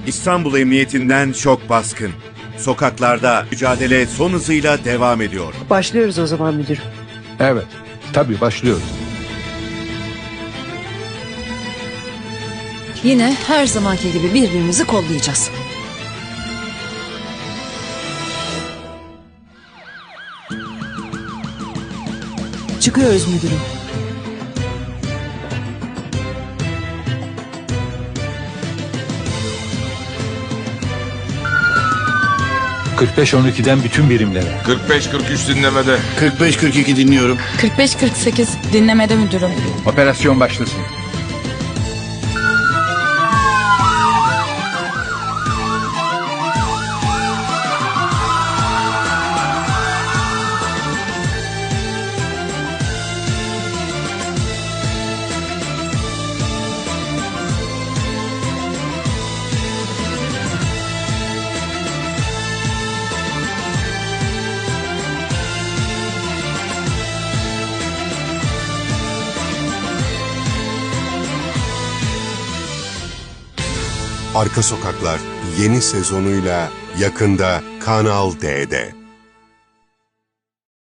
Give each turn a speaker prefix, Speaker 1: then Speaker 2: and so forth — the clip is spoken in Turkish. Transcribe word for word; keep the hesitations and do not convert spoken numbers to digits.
Speaker 1: İstanbul Emniyetinden şok baskın. Sokaklarda mücadele son hızıyla devam ediyor.
Speaker 2: Başlıyoruz o zaman müdürüm.
Speaker 3: Evet, tabii başlıyoruz.
Speaker 4: Yine her zamanki gibi birbirimizi kollayacağız.
Speaker 2: Çıkıyoruz müdürüm.
Speaker 3: kırk beş on ikiden bütün birimlere.
Speaker 5: kırk beş kırk üç dinlemede.
Speaker 6: kırk beş kırk iki dinliyorum.
Speaker 7: kırk beş kırk sekiz dinlemede müdürüm.
Speaker 3: Operasyon başlasın.
Speaker 8: Arka Sokaklar yeni sezonuyla yakında Kanal D'de.